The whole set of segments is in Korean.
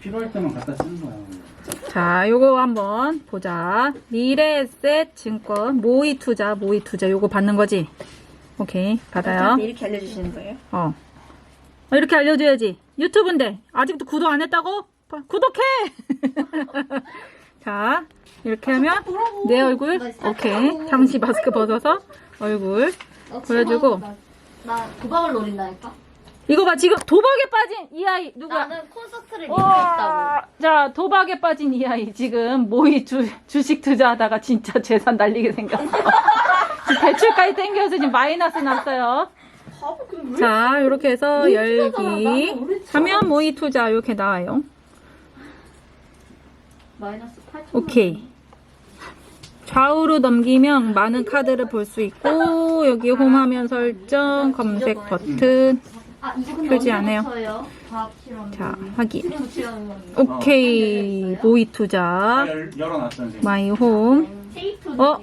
필요할 때만 갖다 쓰는 거야. 자, 요거 한번 보자. 미래에셋 증권 모의 투자 요거 받는 거지? 오케이, 받아요. 이렇게 알려주시는 거예요? 이렇게 알려줘야지. 유튜브인데 아직도 구독 안 했다고? 구독해! 자, 이렇게 하면 내 얼굴, 오케이. 잠시 마스크 벗어서 얼굴 보여주고. 나 도박을 노린다니까? 이거 봐, 지금 도박에 빠진 이 아이 누구야? 나는 콘서트를 믿고 있다고. 자, 도박에 빠진 이 아이 지금 모의 주식 투자하다가 진짜 재산 날리게 생겼어. 지금 대출까지 땡겨서 지금 마이너스 났어요. 자, 이렇게 해서 열기 하면 모의 투자 이렇게 나와요. 마이너스 8천. 오케이. 좌우로 넘기면 많은 카드를 볼 수 있고, 여기 홈화면 설정, 검색 버튼. 이거 근데 표지 언제 안 해요. 붙여요? 과학 실험. 자, 확인. 지금 붙이라는 거니. 오케이. 모의 투자. 열어놨던 선생님. 마이 홈. 테이프는요?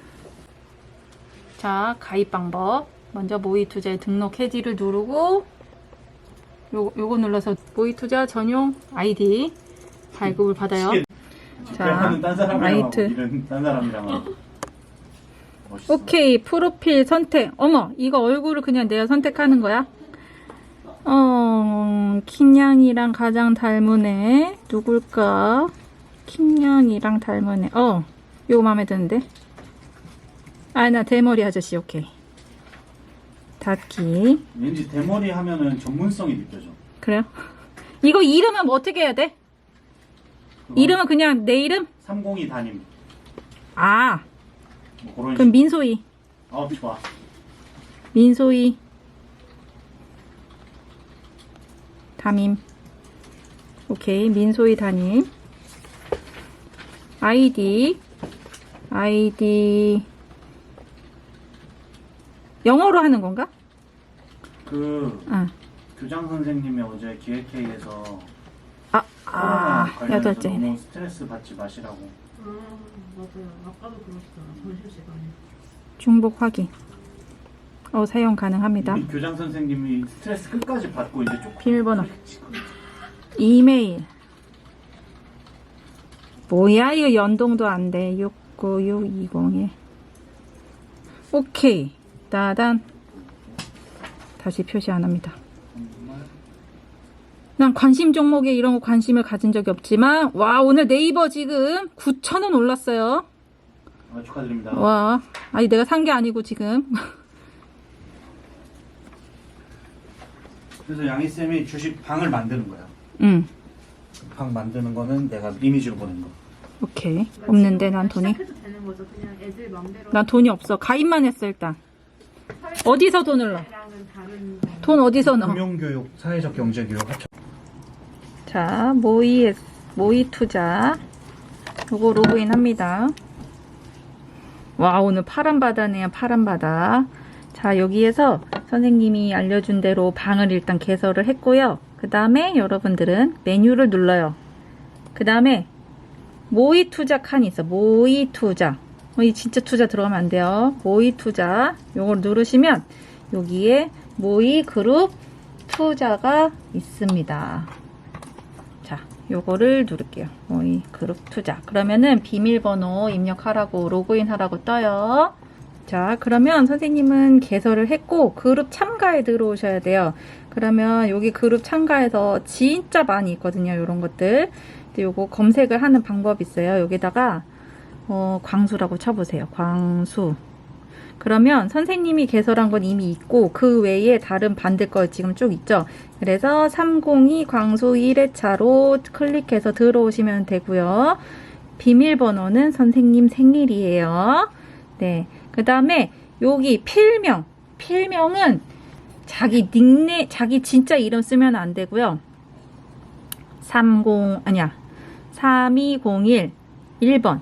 자, 가입 방법. 먼저 모의 투자에 등록 해지를 누르고, 요거 눌러서 모의 투자 전용 아이디 발급을 받아요. 자, 라이트. 일은 딴 사람이랑 하고. 멋있어. 오케이, 프로필 선택. 어머, 이거 얼굴을 그냥 내가 선택하는 거야? 킹냥이랑 가장 닮은 애 누굴까? 킹냥이랑 닮은 애. 요거 마음에 드는데? 나 대머리 아저씨. 오케이. 닫기. 왠지 대머리 하면은 전문성이 느껴져. 그래요? 이거 이름은 뭐 어떻게 해야 돼? 이름은 그냥 내 이름? 302 담임. 뭐 그런 그럼 민소희. 좋아. 민소희 담임. 오케이, 민소희 담임. 아이디 영어로 하는 건가? 교장 선생님이 어제 기획회의에서 여덟째. 너무 스트레스 받지 마시라고. 맞아요. 아까도 그러시잖아. 점심시간에. 중복 확인. 사용 가능합니다. 우리 교장 선생님이 스트레스 끝까지 받고 이제 조금 비밀번호. 이메일. 뭐야, 이거 연동도 안 돼. 696201. 오케이. 따단. 다시 표시 안 합니다. 난 관심 종목에 이런 거 관심을 가진 적이 없지만, 오늘 네이버 지금 9,000원 올랐어요. 축하드립니다. 아니, 내가 산 게 아니고 지금. 그래서 양희쌤이 주식 방을 만드는 거야. 방 만드는 거는 내가 이미지로 보낸 거. 오케이. 없는데, 난 돈이. 시작해도 되는 거죠. 그냥 애들 맘대로. 난 돈이 없어. 가입만 했어, 일단. 어디서 돈을 넣어? 다른 돈 어디서 넣어? 금융교육, 사회적 경제교육 합쳐. 자, 모의 투자. 요거 로그인 합니다. 오늘 파란 바다네요, 파란 바다. 자, 여기에서 선생님이 알려준 대로 방을 일단 개설을 했고요. 그 다음에 여러분들은 메뉴를 눌러요. 그 다음에 모의 투자 칸이 있어. 모의 투자. 이 진짜 투자 들어가면 안 돼요. 모의 투자. 요걸 누르시면 여기에 모의 그룹 투자가 있습니다. 자, 요거를 누를게요. 모의 그룹 투자. 그러면은 비밀번호 입력하라고 로그인 하라고 떠요. 자, 그러면 선생님은 개설을 했고 그룹 참가에 들어오셔야 돼요. 그러면 여기 그룹 참가해서 진짜 많이 있거든요. 요런 것들. 근데 요거 검색을 하는 방법이 있어요. 여기다가 광수라고 쳐보세요. 광수. 그러면 선생님이 개설한 건 이미 있고 그 외에 다른 반대 거 지금 쭉 있죠. 그래서 302 광수 1회차로 클릭해서 들어오시면 되고요. 비밀번호는 선생님 생일이에요. 네. 그 다음에 여기 필명은 자기 자기 진짜 이름 쓰면 안 되고요. 3201 1번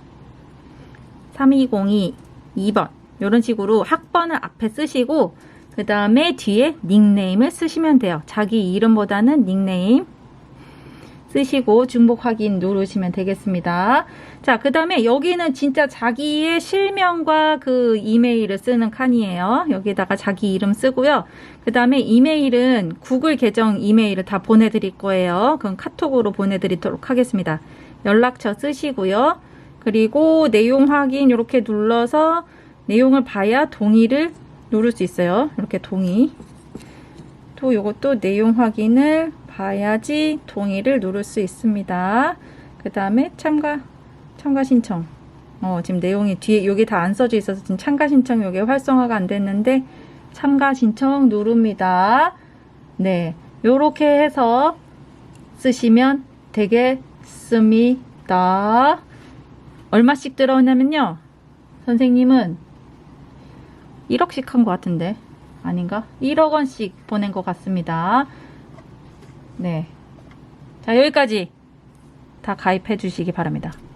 3202 2번 이런 식으로 학번을 앞에 쓰시고 그 다음에 뒤에 닉네임을 쓰시면 돼요. 자기 이름보다는 닉네임 쓰시고 중복 확인 누르시면 되겠습니다. 자, 그 다음에 여기는 진짜 자기의 실명과 그 이메일을 쓰는 칸이에요. 여기다가 자기 이름 쓰고요. 그 다음에 이메일은 구글 계정 이메일을 다 보내드릴 거예요. 그건 카톡으로 보내드리도록 하겠습니다. 연락처 쓰시고요. 그리고 내용 확인 이렇게 눌러서 내용을 봐야 동의를 누를 수 있어요. 이렇게 동의. 또 요것도 내용 확인을 봐야지 동의를 누를 수 있습니다. 그 다음에 참가 신청. 지금 내용이 뒤에 여기 다 안 써져 있어서 지금 참가 신청 여기 활성화가 안 됐는데 참가 신청 누릅니다. 네, 요렇게 해서 쓰시면 되겠습니다. 얼마씩 들어오냐면요. 선생님은 1억씩 한 것 같은데 아닌가? 1억 원씩 보낸 것 같습니다. 네. 자, 여기까지 다 가입해 주시기 바랍니다.